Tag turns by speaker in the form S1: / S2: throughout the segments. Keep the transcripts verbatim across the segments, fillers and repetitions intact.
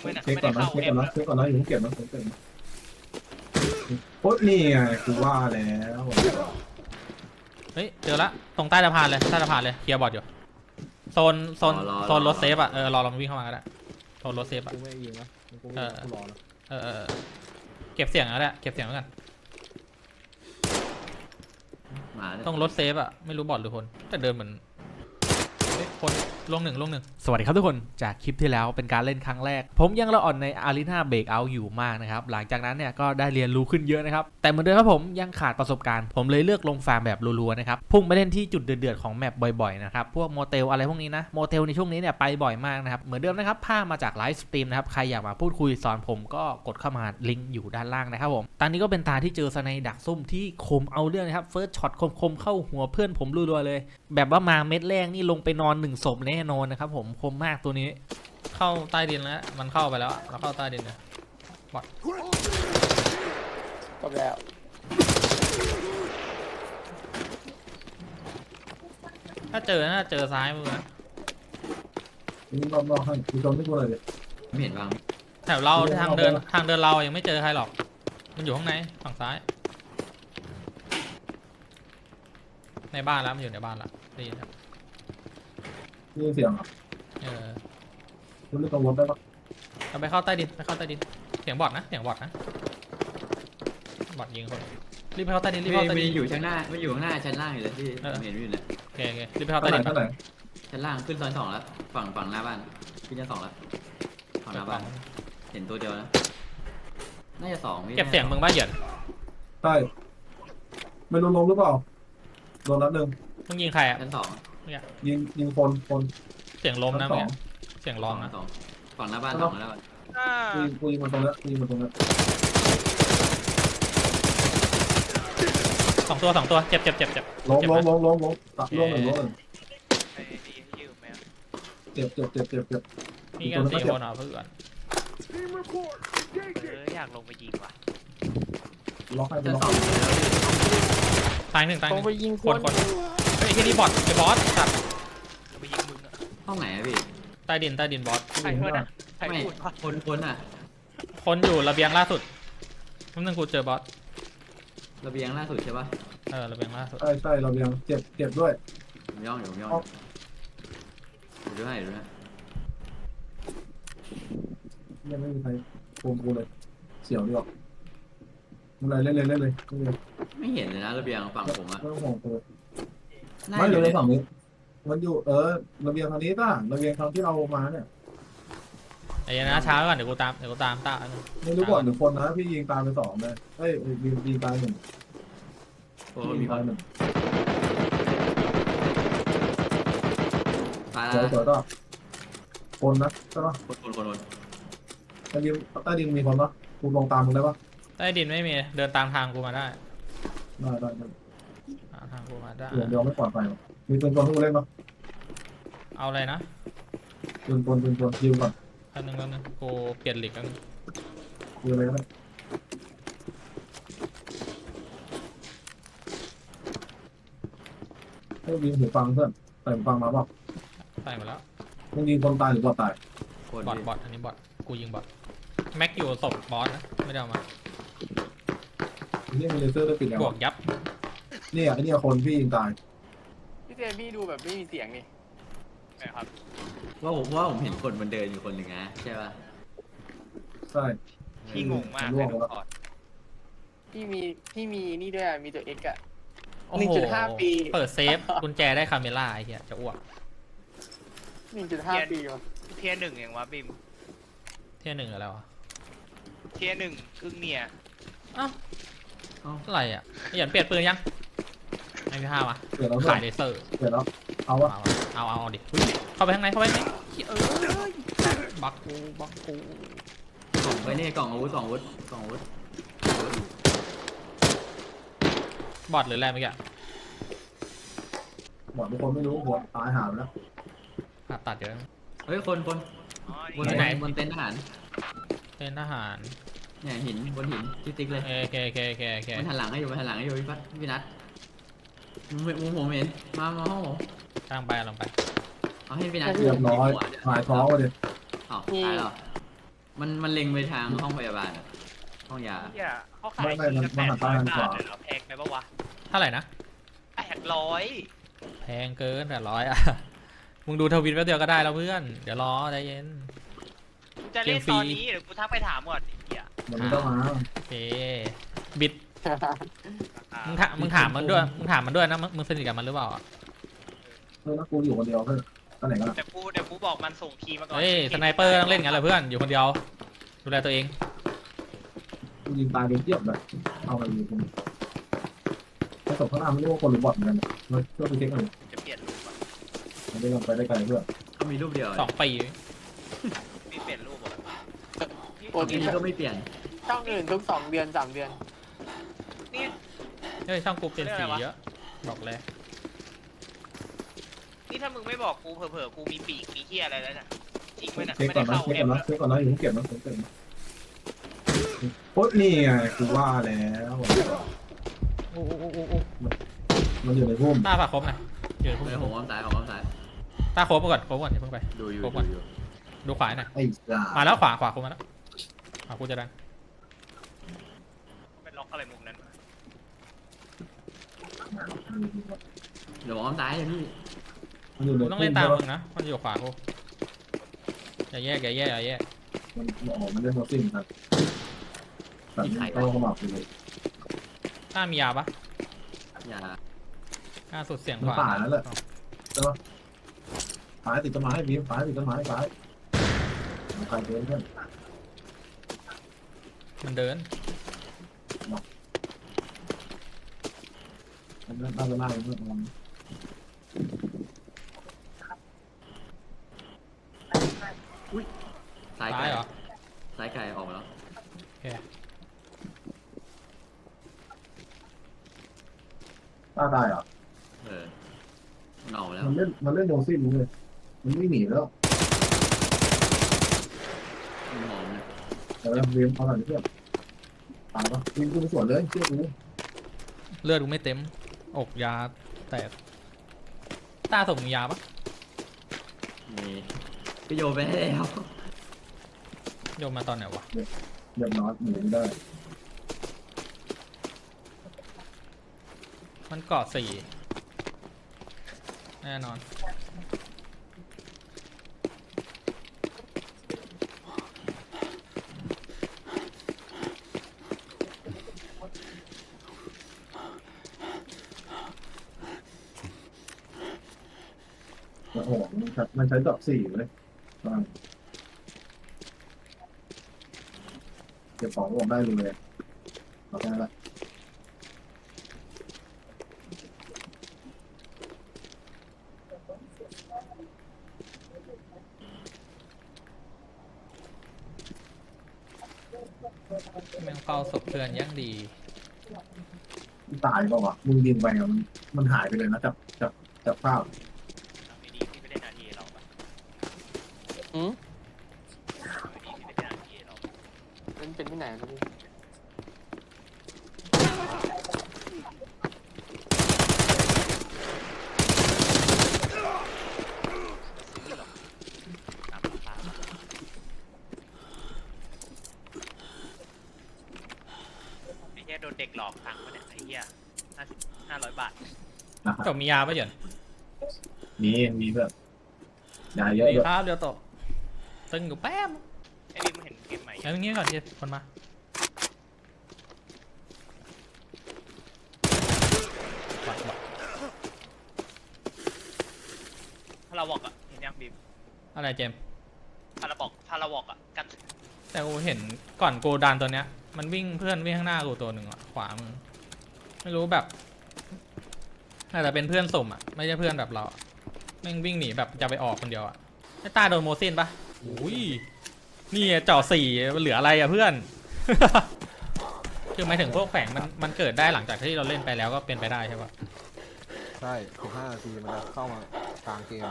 S1: ไม่นะ
S2: เช็ค
S1: ไม่
S2: ก่
S1: ได้
S2: อนนะ
S1: เข้า
S2: เช็ค
S1: เอ็
S2: ก่อ
S1: ม
S2: นนะเช็คก่อนนะอยู่เก็บนะผมเก็บนะโอ๊ยนี่ไงกูว่าแล้ว
S3: เฮ้ยเจอละตรงใต้สะพานเลยใต้สะพานเลยเคลียร์บอร์ดอยู่โซนโซนโซนรถเซฟอ่ะเออรอเราวิ่งเข้ามาก็ได้โซนรถเซฟอ่ะ
S4: กูไม่ยิงนะกู
S3: เออ
S4: กูรอนะ
S3: เออเออเก็บเสียงแล้วแหละเก็บเสียงไว้กัน
S5: มาเลย
S3: ต้องรถเซฟอ่ะไม่รู้บอร์ดหรือคนแต่เดินเหมือนเฮ้ยคนลงหนึ่งลงหนึ่งสวัสดีครับทุกคนจากคลิปที่แล้วเป็นการเล่นครั้งแรกผมยังละอ่อนใน Arena Breakout อยู่มากนะครับหลังจากนั้นเนี่ยก็ได้เรียนรู้ขึ้นเยอะนะครับแต่เหมือนเดิมครับผมยังขาดประสบการณ์ผมเลยเลือกลงฟาร์มแบบรัวๆนะครับพุ่งไปเล่นที่จุดเดือดๆของแมปบ่อยๆนะครับพวกโมเตลอะไรพวกนี้นะโมเตลในช่วงนี้เนี่ยไปบ่อยมากนะครับเหมือนเดิมนะครับภาพมาจากไลฟ์สตรีมนะครับใครอยากมาพูดคุยสอนผมก็กดเข้ามาลิงก์อยู่ด้านล่างนะครับผมตอนนี้ก็เป็นตาที่เจอสไนดักซุ่มที่คมเอาเรื่องนะครับเฟิร์สช็อตคมๆเข้าหัวเพื่อนผมรัวๆเลยแบบว่ามาเม็ดแรกนี่ลงไปนอนหนึ่งศพแน่นอนนะครับผมคมมากตัวนี้เข้าใต้ดินแล้วมันเข้าไปแล้วแล้วเข้าใต้ดินเลยบอด
S4: จบแล้ว
S3: ถ้าเจอน่าเจอซ้ายมือนะ
S2: นี่รอบๆให้ดูจนไม่กูเลยดิ
S5: ไม่เห็นวาง
S3: แถวเราทางเดินทางเดินเรายังไม่เจอใครหรอกมันอยู่ข้างในฝั่งซ้ายในบ้านแล้วมันอยู่ในบ้านละได้ยินครับ
S2: นี่เสียงอ่ะ
S3: เออ
S2: คุณไม่กังวลได้ปะ
S3: เราไปเข้าใต้ดินไปเข้าใต้ดินเสียงบอดนะเสียงบอดนะบอดยิงคนรีบไปเข้าใต้ดินรีบ
S5: ไม่
S3: เข้าใต้
S5: ไม่
S3: ดิน
S5: อยู่ข้างหน้าไม่อยู่ข้างหน้าชั้นล่างอยู่เลยพี่
S3: เออ
S5: เห็นอยู่เลย
S3: โอเคโอเครีบไปเข้า
S2: เท่า
S3: ใต้
S2: ไหร่
S3: ดิน
S2: เท่าไหร่
S5: ชั้นล่างขึ้นซอยสองแล้วฝั่งฝั่งหน้าบ้านขึ้นชั้นสองแล้วฝั่งหน้าบ้านเห็นตัวเดียวนะน่าจะสองพี่
S3: เก็บเสียงมึงบ้าเหยิน
S2: ใช่ไม่รู้ลงหรือเปล่าโดนนัดหนึ่ง
S3: มึงยิงใครอ่ะ
S5: ชั้นสอง
S2: ยิงยิงคนคน
S3: เสียงลมนะ
S2: ส
S3: มึ
S2: อง ง
S3: เสียงร้องนะ
S5: สองฝั่งหน้าบ้านสองแล้ว
S1: อ่า
S2: กูยิงกูยิงมันตรงนี้กูยิงมันตรงนี้
S3: สองตัวสองตัวเจ็บเจ็บเจ็บเจ็บ
S2: ล้ม
S3: เจ็บ
S2: ล้ม
S3: นะ
S2: ล้มล้มล้มตัดล้มหนึ่งล้มหนึ่ง
S1: ไอ้ดียืมไหม
S2: เจ็บเจ็บเจ็บเจ็บเจ็บ
S3: มีกันสี่คนเหรอเพื่อน
S1: เอออยากลงไปยิงว่ะ
S2: ล็อกให้ไป
S5: ชั้น
S2: ล็อก
S5: สองแล้วพี่
S3: ตายหนึ่งตายห
S4: ต้อ
S3: นึ่
S4: ง
S3: ง
S4: ไปยิง
S3: คนคนเฮ้ยไอ้ที่นี่บอทไอ้บอสสัตว์
S1: ลงไปยิงมึงอ่ะ
S5: ห้องไหนอะพี่
S3: ใต้ดินใต้ดินบอส
S1: ใครเพื่อนอ่ะใคร
S5: ไม่
S1: พูดวะ
S5: คนคนอ่ะ
S3: คนอยู่ระเบียงล่าสุดนั่นนึงกูเจอบอส
S5: ระเบียงล่าสุดใช่ปะ
S3: เออระเบียงล่าสุด
S2: ใช่ใช่เรายังเจ็บเจ็บด้วย
S5: ผมย่องอยู่ผมย่องอยู่ดูให้ดูให้
S2: ยังไม่มีใครโกงกูเลยเสียวดีออกอะไรเล่นเลยเล่นเลยเล่นเลย
S5: ไม่เห็นเลยนะระเบียงฝั่งผมอะ
S2: ไม่ต้องห่วงตัว
S5: น่า
S2: ไม่
S5: อ
S2: เล
S5: ยู่
S2: ย
S5: ใน
S2: ฝั่งนี้มันอยู่เออระเบียงทางนี้ป่ะระเบียงทางที่เรามาเนี่ย
S3: ไอ้ยันนะช้าไว้ก่อนเดี๋ยวกูตามเดี๋ยวกูตามตา
S2: ไม่รู้ก่อนหรือคนนะพี่ยิงตามไปสองเลยเอ้ยยิงยิงตายหนึ่ง
S5: โอ้
S2: ยิ
S5: มี
S2: ง
S5: ค
S2: ตาย
S5: น
S2: หนึ่ง
S5: ตาย
S2: เดี๋ยว
S5: แล้ว
S2: เดี๋ยวก็คนนะใช่ปะ
S5: คนคนคนคน
S2: ใต้ดินใต้ดินมีคนปะกูลงตามมึงได้ปะ
S3: ใต้ดินไม่มีเดินตามทางกูมาได้
S2: ได้ได้ได้
S3: ตามทางกูมาได้
S2: เดี๋ยวเดี๋ยวไม่ปลอดภัยหรอกมีปืนกลที่กูเล่นปะ
S3: เอาอะไรนะ
S2: ปืนกลปืนกลยิงก่อน
S3: อันนึงแล้วนึงกูเปลี่ยนหลีกแล้ว
S2: ยิงอะไรก็ได้ให้ยิงหูฟังเพื่อนใส่หูฟังมาเปล่า
S3: ใส่หมดแล้ว
S2: มึงยิงคนตายหรือบอดตาย
S5: คน
S3: บอท
S5: พี่
S3: บอทอันนี้บอทกูยิงบอทแม็กอยู่ศพบอสนะไม่ได้เอามา
S2: นี่มีเลเซอร์ได้ปิดแล้ว
S3: บวกยับ
S2: เนี่ยไอ้เนี่ยคนพี่ยิงตาย
S4: พี่เจพี่ดูแบบไม่มีเสียงนี่
S1: นะครับ
S5: ว่าผมว่าผมเห็นคนมันเดินอยู่คนหนึ่งนะใช่ป่ะ
S2: ใช่
S1: พี่งงมากเลยทุกคน
S4: พี่มีพี่มีนี่ด้วยอะมีตัวเอ็กอะ
S3: โอ้
S4: หนึ่ง
S3: โห
S4: จุดห้าปี
S3: เปิดเซฟกุญแจได้คาเมล่าไอ้เหี้ยจะอ้วก
S4: หนึ่งจุดห้าปีวะ
S1: เทียร์หนึ่งอย่างวะบิม
S3: เที่ยหนึ่งอะไรวะ
S1: เทียร์หนึ่งครึ่งเนี่ย
S3: เอ้าอะไรอ่ะไอ้หยันเปลี่ยนปืนยังไอ้พี่ห้าวะ
S2: เดี๋ยวเรา
S3: ขายเลเซอร์
S2: เดี๋ยวเราเอาวะ
S3: เอาวะเอาเอาเอาดิเข้าไปข้างในเข้าไปข้างในเออบักกูบักกู
S5: กล่องไว้นี่กล่องอาวุธกล่องอาวุธกล่องอาวุธ
S3: บอทหรืออะไรเมื่อกี้
S2: บอกทุกคนไม่รู้หัวตายหาแล้ว
S3: ผ่าตัดเยอะ
S5: เฮ้ยคนคน
S1: อ๋อบ
S5: น
S1: นี่
S3: ไหน
S5: บนเต็นท์ทหาร
S3: เป็นทหาร
S5: เนี่ยหินบนหินที่ติ๊กเลย
S3: โอเคโอเคโอเคโอเค
S5: มันหันหลังให้อยู่มันหันหลังให้อยู่พี่พัดพี่นัทมุมมุมผมเห็นมามาห้องผม
S3: กลางไปลงไป
S5: เอาให้พี่นัท
S2: เรียบร้อยหายท้องเลย
S5: อ้าวตายแล้ว
S4: พ
S5: มันมันเล็งไปทางห้องพยาบาลอะห้องยา
S1: เฮียเขาขายทีละแปดร้อยบาทเลยเหรอแพงไปปะวะ
S3: เท่าไหร่นะ
S1: แปดร้อย
S3: แพงเกินแปดร้อยอ่ะ มึงดูทวิตแป๊บเดียวก็ได้แล้วเพื่อน เดี๋ยวรอใจเย็น
S1: กูจะเล่นตอนนี้เดี๋ยวกูทักไปถามก่อนไอ้เฮีย
S2: มันไม่ต้องมา
S3: โอเค บิด มึงถามมึงถามมันด้วย มึงถามมันด้วยนะ มึงมึงสนิทกับมันหรือเปล่าอะ
S2: เออแล้วกูอยู่คนเดียวเพื่อนตอนไหนกันล่ะ
S1: เดี๋ยวกูเดี๋ยวกูบอกมันส่งคีย์มาก่อน
S3: เฮ้ย สไนเปอร์ต้องเล่นงั้นแหละเพื่อน อยู่คนเดียว ดูแลตัวเอง
S2: กูยิงตายโดนเทียบเลยเอาไปอยู่คนผสมข้างหน้าไม่รู้ว่าคนหรือบอทเหมือนกันเราเพื่อไปเช็คกันเลย
S1: จะเปลี่ยนรูปอ่ะ
S2: มันได้ลงไปได้ไกลเพื่อน
S5: เขามีรูปเดียว
S3: สองปี
S1: มีเปลี่ยนรูปอ่ะ
S4: ปก
S5: ที
S4: ติ
S5: นี้ก็ไม่เปลี่ยน
S4: ช่องอื่นทุกสองเดือนสามเดือน
S1: นี่
S3: เฮ้ยช่องกูเปลี่ยนสีเยอะ บอกเลย
S1: นี่ถ้ามึงไม่บอกกูเผลอๆกูมีปีกมีเฮียอะไรแล้วน่ะจริงไหมน่ะ
S2: เช็ค
S1: ไม่
S2: ก่อ
S1: ได้
S2: นนะ
S1: เข้า
S2: เช็ค
S1: แอ
S2: ก่อน
S1: ป
S2: นะเช็คก่อนนะอยู่เก็บนะผมเก็บนะโอ๊ยนี่ไงกูว่าแล้ว
S3: โอ้โอ้โอ้โอ้โอ้
S2: มันอยู่ในพุ่ม
S3: ต้าฝากครบหน่อยอยู่ในพุ่ม
S5: เฮ้ยผมอ้อมซ้ายผมอ้อมซ้าย
S3: ต้าครบไปก่อนครบก่อนอย่าเพิ่งไป
S5: ดูอยู่
S3: ครบ
S5: ดู
S3: ก่อน
S5: อยู่
S3: ดูขวาหน่อย
S2: ไอ้จ้า
S3: มาแล้วขวาขวาครบมาแล้วขวากูจะดัน
S1: เป็นล็อกอะไรมุมนั้นวะ
S5: เดี๋ยวผมอ้อมซ้ายเลยพี่
S2: มันอยู่ใน
S3: กู
S2: พุ่ม
S3: ต้องเล่นตามมึงนะ มันอยู่ขวากูอย่าแยกอย่าแยกอย่าแยก
S2: มันออกมันเล่นโมซิ่งครับแบบนี้ต้องเข้ามาไปเลย
S3: ต้ามียาปะ
S5: อย่า
S3: ล่าสุดเสียง
S2: มัน
S3: ขวา
S2: ป่าแล้วแหละใช่ปะฝายติดต้นไม้บีมฝายติดต้นไม้ฝายใครเดินเพื่อน
S3: มันเดิน
S2: มันน่าจะน่าเพื่อนมัน
S5: ซ้าย
S3: ซ้า
S5: ไกล
S3: ยเหรอ
S5: ซ้ายไกลออกมาแล้ว
S2: ตาตายเหรอ
S5: เออมันออกมาแล้ว
S2: มันเล่นมันเล่นโมซิ่งเลยมันไม่หนีแล้ว
S5: มันมองนะ
S2: แต่เราเรียนเอาหน่อยเพื่อนตายปะวิ่งกูไปสวนเลยเชื่อกู
S3: เลือดกูไม่เต็ม อกยาแตกต้าส่งมึงยาปะ
S5: นี่ก็โยนไปให้แล้ว
S3: โยนมาตอนไหนวะ
S2: เรียบร้อยหนีไม่ได้
S3: มันเกาะสี่แน่นอน
S2: โอ้โหมันใช้มันใช้ดอกสี่เลยเก็บของออกได้เลยเอาแค่นั้นแหละ
S3: แม่งเฝ้าศพเพื่อนยังดี
S2: ตายเปล่าวะมึงยิงไปอะมันมันหายไปเลยนะจับจับจับภาพ
S1: ไม่ดีที่ไม่ได้นาทีเราปะ
S4: อืม
S1: ไม่ดีที่ไม่ได้นาทีเรา
S4: มันเป็นที่ไหนครับพี่
S1: ซื้อหรอกตามราคาไอ้เหี้ยโดนเด็กหลอกตังค์มาเนี่ยไอ้เหี้ยห้าสิบห้าร้อยบาท
S2: นะครับ
S3: จบมียาปะเหยิน
S2: มีมีแบบยาเยอะ
S3: ดี
S2: ด้วย
S3: ครับเดี๋ยวตกตึงอยู่แป๊บ
S1: ไอ้นี่มึงเห็นเกมใหม่
S3: เอาอย่างงี้ก่อนเดี๋ยวคนมาบักบัก
S1: พาราบอกอะเห็นยังบีม
S3: อะไรเจมส์
S1: พาราบอกพาราบอกอะกัน
S3: แต่กูเห็นก่อนกูดันตัวเนี้ย มันวิ่งเพื่อนวิ่งข้างหน้ากูตัวหนึ่งอ่ะขวามือไม่รู้แบบอาจจะเป็นเพื่อนสุ่มอ่ะไม่ใช่เพื่อนแบบเราอะแม่งวิ่งหนีแบบจะไปออกคนเดียวอ่ะไอ้ตาโดนโมซินปะอุ้ยนี่อะเจ่อสี่มันเหลืออะไรอ่ะเพื่อน คือหมายถึงพวกแฝงมันมันเกิดได้หลังจากที่เราเล่นไปแล้วก็เป็นไปได้ใช่ปะ
S6: ใช่สิบห้านาทีมันจะเข้ามากลางเกม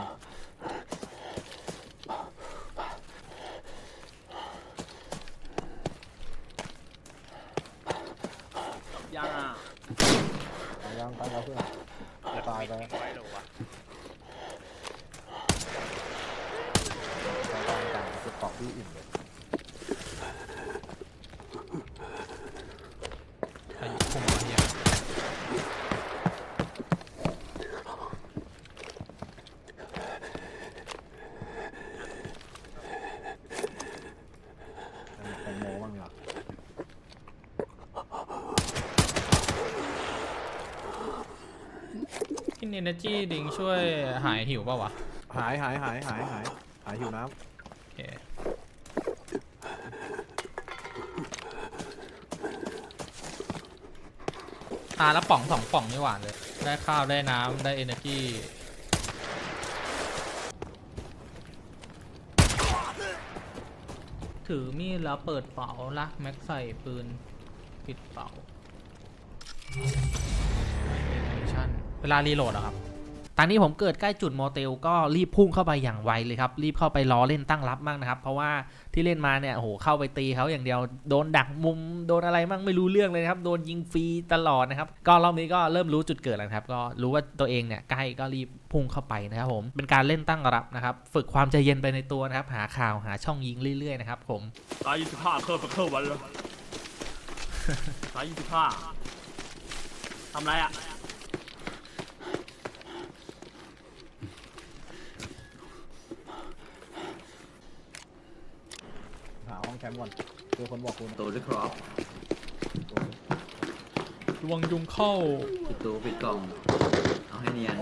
S1: ยังอ่ะ
S6: ตายยังตายแล้วเพื่อน ตายไป
S1: ทิ้งไว้เหรอวะ
S6: ตายกลางกลางจะเกาะที่อิ่มเลย
S3: เอเนจีดิงช่วยหายหิวป่าวะ
S6: หายหายหายหายหายหายหิวน้
S3: โอเคตาละป่องสองป่องนี่หวานเลย ได้ข้าวได้น้ำได้เอเนจีถือมีดแล้วเปิดเป๋าลักแม็กใส่ปืนปิดเป๋าเวลารีโหลดอะครับตอนนี้ผมเกิดใกล้จุดโมเตลก็รีบพุ่งเข้าไปอย่างไวเลยครับรีบเข้าไปล้อเล่นตั้งรับมั่งนะครับเพราะว่าที่เล่นมาเนี่ยโอ้โหเข้าไปตีเขาอย่างเดียวโดนดักมุมโดนอะไรมั่งไม่รู้เรื่องเลยนะครับโดนยิงฟรีตลอดนะครับก็รอบนี้ก็เริ่มรู้จุดเกิดแล้วครับก็รู้ว่าตัวเองเนี่ยใกล้ก็รีบพุ่งเข้าไปนะครับผมเป็นการเล่นตั้งรับนะครับฝึกความใจเย็นไปในตัวนะครับหาข่าวหาช่องยิงเรื่อยๆนะครับผม
S7: 打一十ห้าเครื่องไปเครื่องวันเลย打一十ห้าทำไรอ่ะ
S6: ำหาห้องแคมป์ก่อนเจอคนบอกคุณ
S5: ตัวด้วยครอป
S3: ระวังยุงเข้า
S5: ปิดตัวปิดกล่องเอาให้เนียน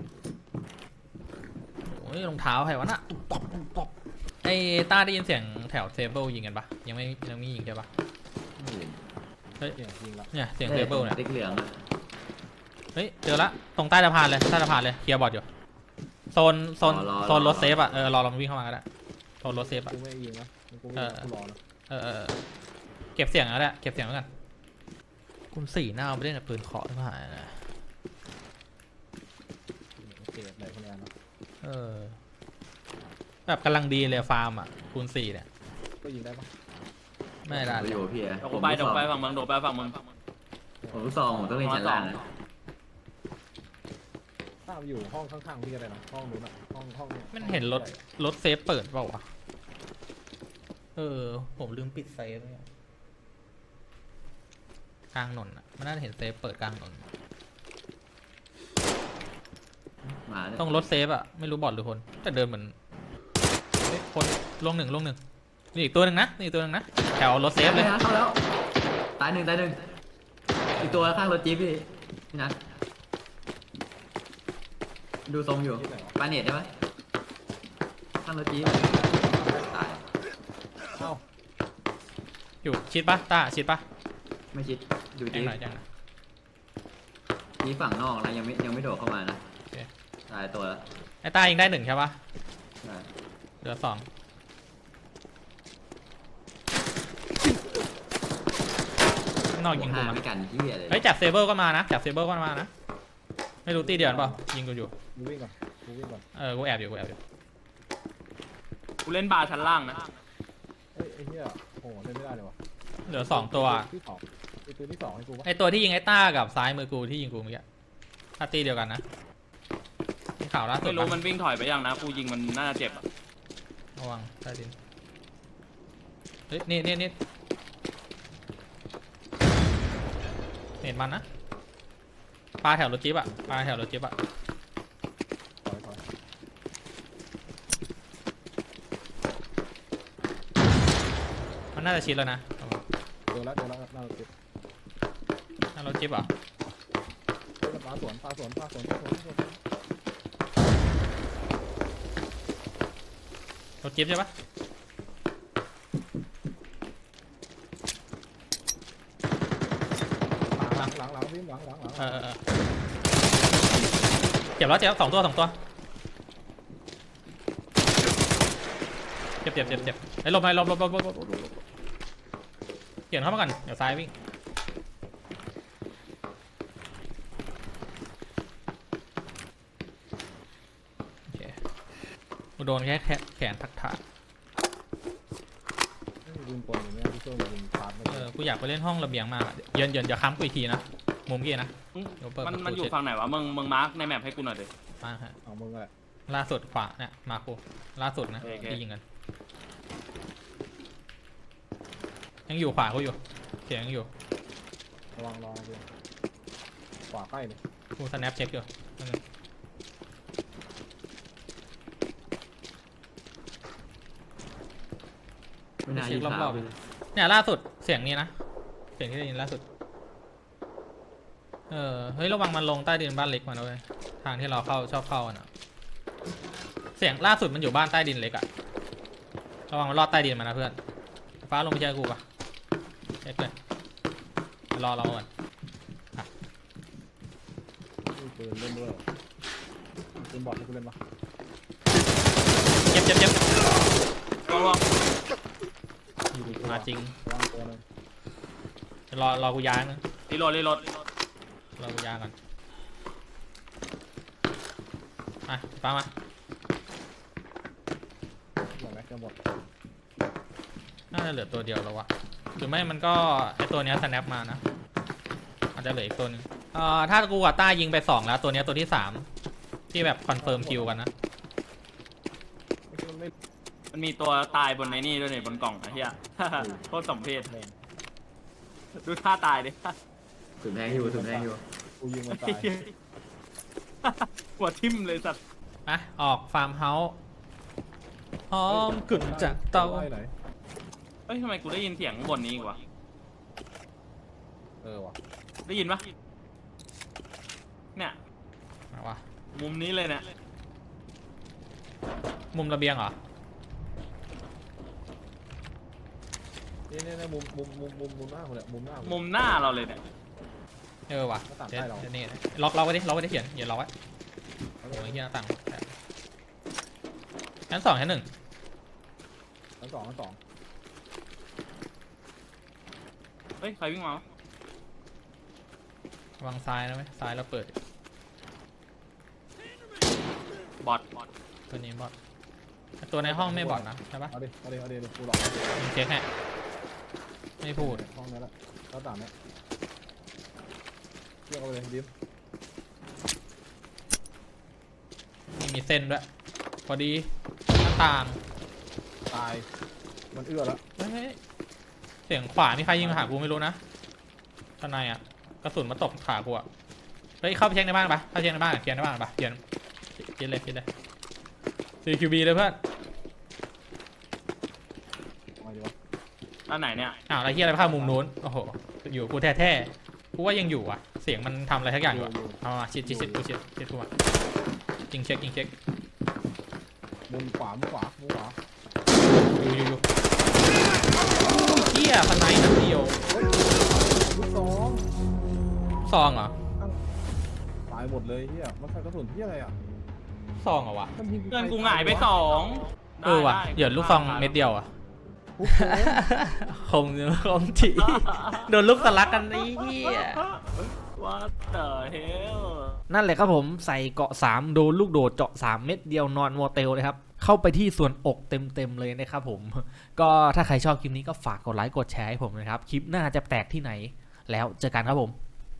S3: โอ้ยรองเท้าใครวะน่ะป๊อปป๊อปไอ้ต้าได้ยินเสียงแถวเซเบิลยิงกันปะยังไม่ยังไม่ยิงใช่ปะ
S5: ไม่เห็น
S3: เฮ้ย
S6: เก่งจริงละ
S3: เนี่ยเสียงเซเบิลเนี่ย
S5: ติ๊กเหลืองอะ
S3: เฮ้ยเจอละตรงใต้สะพานเลยใต้สะพานเลยเคลียร์บอร์ดอยู่โซนโซนโซนรถเซฟอ่ะเออรอเราวิ่งเข้ามาก็ได้โซนรถเซฟอ่ะ
S6: กูไม่ยิงนะกูไม่
S3: เออ
S6: กูรอนะ
S3: เออเออเออเก็บเสียงแล้วแหละเก็บเสียงแล้วกันคุณสี่หน้าเอาไปเล่นกับปืนเคาะที่ผ่านนะ
S6: เก็บไหนคนนี้นะ
S3: เออแบบกำลังดีเลยฟาร์มอ่ะคูณสี่เนี่ย
S6: ก็ยิงได้ปะ
S3: ไม่ได้
S5: ผม
S3: เลย
S5: อยู่พี่อะ
S7: เดี๋ยวกูไปเดี๋ยวกูไปฝั่งมึงเดี๋ยวกูไปฝั่งมึง
S5: ผมลูกซองผมต้องเล่นชั้นล่างนะ
S6: ถ้าอยู่ห้องข้างๆพี่ก็ได้นะห้องนู้นอะห้องห้อง
S3: มันเห็นรถรถเซฟเปิดเปล่าวะเออผมลืมปิดเซฟเนี่ยกลางถนนอ่ะมันน่าจะเห็นเซฟเปิดกลางถนน
S5: มาเนี่ย
S3: ต้องรถเซฟอ่ะไม่รู้บอดหรือคนแต่เดินเหมือนเฮ้ยคนลงหนึ่งลงหนึ่งนี่อีกตัวหนึ่งนะนี่อีกตัวหนึ่งนะแถวรถเซฟเลย
S5: ไม่นะเข้าแล้วตายหนึ่งตายหนึ่งอีกตัวข้างรถจี๊ปพี่พี่นัทดูทรงอยู่ปาเน็ตได้ไหมข้างรถจี๊ปตาย
S6: เอ้า
S3: อยู่ชิดปะต้าชิดปะ
S5: ไม่ชิดดู
S3: แจ้
S5: จี๊
S3: ง
S5: ป
S3: หน่อยแจ้งหน่อย
S5: จี๊ปฝั่งนอกนะยังไม่ยังไม่โดดเข้ามานะ
S3: โอเค
S5: ตายตัวแล้ว
S3: ไอ้ต้ายิงได้หนึ่งใช่ปะ
S5: ใช่
S3: เหลือสองนอกยิงกู
S5: ห้า
S3: มา
S5: ไม่กันที่อะไร
S3: เฮ้ยจากเซเบอร์ก็มานะจากเซเบอร์ก็มานะไม่รู้ตีเดียวกันเปล่ายิงกูอยู่
S6: กูวิ่งก่อนกูวิ่งก่อน
S3: เออกูแอบอยู่กูแอบอยู่
S7: กูเล่นบาร์ชั้นล่างนะ
S6: เอ้ยไอ้เหี้ยโอ้โหเล่นไม่ได้เลยวะ
S3: เหลือสองตัว
S6: ที่สองไอ้ตัวที่สองให้กูปะ
S3: ไอตัวที่ยิงไอ้ต้ากับซ้ายมือกูที่ยิงกูเมื่อกี้ถ้าตีเดียวกันนะมีข่าวล่าสุด
S7: ไม่รู้
S3: ปะ
S7: มันวิ่งถอยไปยังนะกูยิงมันน่าจะเจ็บอะ
S3: ระวังใต้ดินเฮ้ยนี่นี่นี่เห็นมันนะปลาแถวรถจิ๊บอะปลาแถวรถจิ๊บอะ
S6: ถอยถอย
S3: มันน่าจะชิดแล้วนะ
S6: เดี๋ยวแล้วเดี๋ยวแล้วน่าจะเก็บ
S3: น่ารถจิ๊บเหรอ
S6: ปลาสวนปลาสวนปลาสวนปลาสวนปลาสวน
S3: รถจิ๊บใช่ปะ
S6: หลังหลังหลังวิ่งหลังหลังหลัง
S3: เออเออเออเจ็บแล้วเจ็บแล้วสองตัวสองตัวเจ็บเจ็บเจ็บเจ็บไอ้ยหลบไปหลบหลบหลบหลบหลบหลบหลบเปลี่ยนเข้ามาก่อนเดี๋ยวซ้ายวิ่งโอเคกูโดนแค่แค่แขนทักทะ
S6: ยิงปนอย่างเงี้ยที่ช่วยยิงพาร์ทไม่
S3: เอ
S6: ได้
S3: อกูอยากไปเล่นห้องระเบียงมากอะเย็นเย็นอย่าค้ำกูอีกทีนะมุมกี้นะ
S7: อืม
S3: เดี๋ยวเปิด
S7: มัน
S3: ประตู
S7: มันอยู่
S3: เสร็จ
S7: ฝั่งไหนวะมึงมึงมาร์กในแมปให้กูหน่อยดิ
S3: มาฮะ
S6: เอามึงแหละ
S3: ล่าสุดขวาเนี่ยมากูล่าสุดนะ
S7: โอเค
S3: ที่ยิงกันยังอยู่ขวากูอยู่เสียงยังอยู่
S6: ระวังรอดูขวาใกล้เลย
S3: กูสแนปเช็คอยู่นั่นนึง
S5: ไม่น่า
S3: เช็
S5: ยิ
S3: ค
S5: ง
S3: ร
S5: ขา
S3: อ
S5: ว
S3: บๆเนี่ยล่าสุดเสียงนี้นะเสียงที่ได้ยินล่าสุดเออเฮ้ยระวังมันลงใต้ดินบ้านเล็กมาด้วยทางที่เราเข้าชอบเข้ากันอะเสียงล่าสุดมันอยู่บ้านใต้ดินเล็กอะระวังมันรอดใต้ดินมานะเพื่อนฟ้าลงไปเจอกูปะเช็คเลยรอเราก่อน
S6: มีปืนเล่นด้วยปืนบอดให้กูเล่นปะ
S3: เจ็บเจ็บเจ็บ
S7: ลองลอง
S3: มาจริง
S6: วางตัวหนึง
S3: รอรอกูย้ายนะ
S7: รีโหลดรีโหลด
S3: รอกูย้ายก่อนอ่ะฟ้ามา
S6: หมดไหมจะหมด
S3: น่าจะเหลือตัวเดียวแล้ววะหรือไม่มันก็ไอตัวเนี้ย snap มานะอาจจะเหลืออีกตัวหนึงเอ่อถ้ากูกับต้ายิงไปสองแล้วตัวเนี้ยตัวที่สามที่แบบคอนเฟิร์มคิวกันนะ
S6: ไม่ใช่มันไม่
S7: มันมีตัวตายบนไอ้นี่ด้วยเนี่ยบนกล่องไอ้เหี้ย โคตรสมเพช
S6: แรง
S7: ดูท่าตายดิ
S5: สุดแพงอยู่สุดแพงอยู่
S6: กูยิงมันตาย
S7: หัวทิ่มเลยสัตว์
S3: อ่ะออกฟาร์มเฮาส์หอมกลิ่นจากเตา
S6: ไล่ไหน
S7: เฮ้ยทำไมกูได้ยินเสียงข้างบนนี้อีกวะ
S6: เออว่ะ
S7: ได้ยินปะเนี่ย
S3: มาวะ
S7: มุมนี้เลยเนี่ย
S3: มุมระเบียงเหรอ
S6: นี่นี่นี่มุมมุมมุมมุมมุมหน้าคนเนี่ยมุมหน้า
S7: มุมหน้าเราเลยเนี่ย
S3: เออว่ะ
S6: หน้าต่าง
S3: เดี๋ยว
S6: ใต้เรา
S3: เดี๋ยวนี่ล็อกล็อกไว้ดิล็อกไว้ดิเขียนอย่าล็อกไว้โอ้ยเฮียหน้าต่างชั้นสองชั้นหนึ่ง
S6: ทั้งสองทั้งสอง
S7: เฮ้ยใครวิ่งมาวะ
S3: วางซ้ายนะไหมซ้ายเราเปิด
S7: บอท
S3: ตัวนี้บอทตัวในห้องไม่บอทนะใช่ปะ
S6: เอาดิเอาดิเอาดิกูหลอก
S3: มึงเช็คให้ไม่พูด
S6: ห้องนี้แหละหน้าต่างเนี้ยเรียกเอาไปเลยดิม
S3: ไม่มีเส้นด้วยพอดีหน้าต่าง
S6: ตายมันเอื้อแล้ว
S3: เฮ้ยเฮ้ยเสียงขวามีใครยิงมาหากูไม่รู้นะข้างในอ่ะกระสุนมาตกขากูอ่ะเฮ้ยเข้าไปเช็คในบ้านปะเข้าไปเช็คในบ้านเขียนในบ้านปะเขียนเขียนเลยเขียนเลย ซี คิว บี เลยเพื่อน
S6: เอาไงดีวะ
S7: ด้านไหนเนี่ย
S3: อ้าวอะไรเฮียอะไรเข้ามุมนู้นโอ้โหอยู่กูแท้ๆกูว่ายังอยู่อ่ะเสียงมันทำอะไรทักอย่างอยู่อะเอามาชิดชิดชิดกูชิดชิดกูมายิงเช็คยิงเช็ค
S6: มุมขวามุมขวามุมขวา
S3: อยู่อยู่อยู่เฮียสไนด์นัดเดียว
S6: ลูกสอง
S3: ซองเหรอ
S6: ตายหมดเลยเฮียมันใส่กระสุนที่อะไรอ่ะ
S3: ซองเหรอวะ
S6: มันยิง
S7: เพื่อนกูหงายไปสอง
S3: เออว่ะ
S7: ได้
S3: เหยื่อลูกซองเม็ดเดียวอ่ะ
S6: ปุ๊บโดน
S3: คงคงจีโดนลูกสลักกันไอ้เหี้ย
S7: ว่าเตอร์เฮล
S3: นั่นแหละครับผมใส่เกาะสามโดนลูกโดดเจาะสามเม็ดเดียวนอนโมเตลเลยครับเข้าไปที่ส่วนอกเต็มๆเลยนะครับผมก็ถ้าใครชอบคลิปนี้ก็ฝากกดไลค์กดแชร์ให้ผมนะครับคลิปหน้าจะแตกที่ไหนแล้วเจอกันครับผม